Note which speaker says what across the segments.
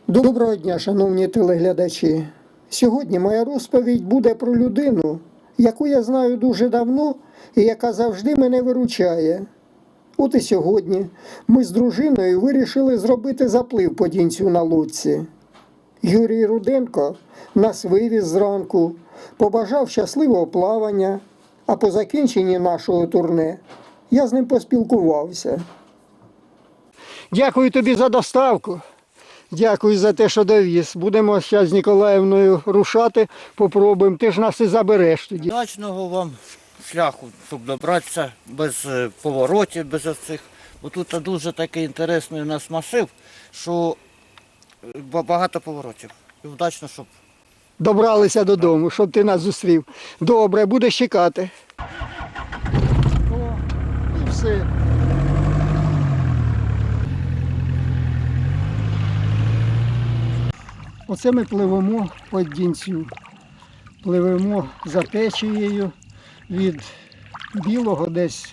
Speaker 1: Доброго дня, шановні телеглядачі. Сьогодні моя розповідь буде про людину, яку я знаю дуже давно і яка завжди мене виручає. От і сьогодні ми з дружиною вирішили зробити заплив по Дінцю на лодці. Юрій Руденко нас вивіз зранку, побажав щасливого плавання, а по закінченні нашого турне я з ним поспілкувався. Дякую тобі за доставку. Дякую за те, що довіз. Будемо зараз з Ніколаївною рушати, попробуємо. Ти ж нас і забереш тоді.
Speaker 2: Удачного вам шляху, щоб добратися без поворотів, без оцих. Бо тут дуже такий інтересний у нас масив, що багато поворотів. І вдачно, щоб...
Speaker 1: Добралися додому, щоб ти нас зустрів. Добре, будеш чекати. О, і все. Оце ми пливемо по Дінцю. Пливемо за течією від Білого, десь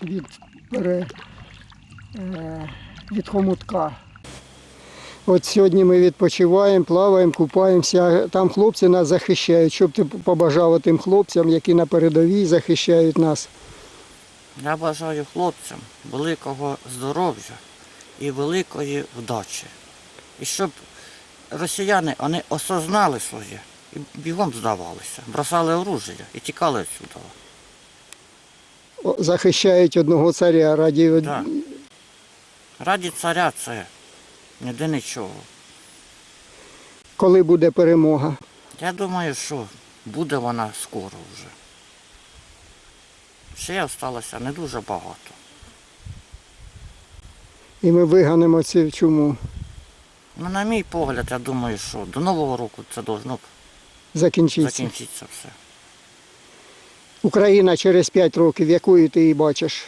Speaker 1: від Хомутка. От сьогодні ми відпочиваємо, плаваємо, купаємося. Там хлопці нас захищають. Щоб ти побажав тим хлопцям, які на передовій захищають нас?
Speaker 2: Я бажаю хлопцям великого здоров'я і великої вдачі. І щоб росіяни вони осознали своє і бігом здавалися, бросали оружие і тікали відсюди.
Speaker 1: Захищають одного царя раді...
Speaker 2: Так. Раді царя це ніде нічого.
Speaker 1: Коли буде перемога?
Speaker 2: Я думаю, що буде вона скоро вже. Ще залишилося не дуже багато.
Speaker 1: І ми виганемо цю чуму.
Speaker 2: Ну, на мій погляд, я думаю, що до Нового року це должно
Speaker 1: Закінчиться.
Speaker 2: все.
Speaker 1: Україна через 5 років, якою ти її бачиш?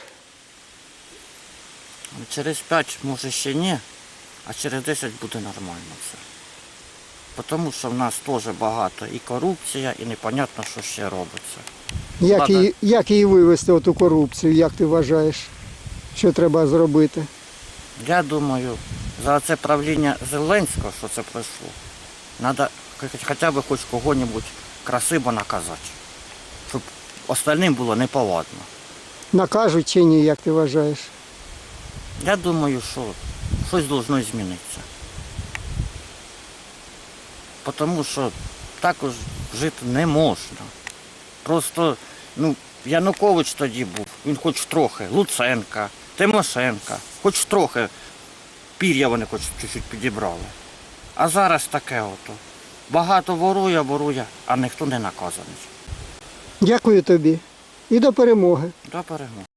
Speaker 2: Через 5, може ще ні, а через 10 буде нормально все. Тому що в нас теж багато і корупція, і непонятно, що ще робиться.
Speaker 1: Як її вивести, оту корупцію, як ти вважаєш, що треба зробити?
Speaker 2: Я думаю, за це правління Зеленського, що це пройшло, треба хоча б хоч кого-небудь красиво наказати, щоб остальним було неповадно.
Speaker 1: Накажуть чи ні, як ти вважаєш?
Speaker 2: Я думаю, що щось повинно змінитися. Тому що також жити не можна. Просто, Янукович тоді був, він хоч трохи, Луценка, Тимошенка, хоч трохи пір'я вони хоч чуть-чуть підібрали. А зараз таке ото. Багато ворує, а ніхто не наказаний.
Speaker 1: Дякую тобі і до перемоги.
Speaker 2: До перемоги.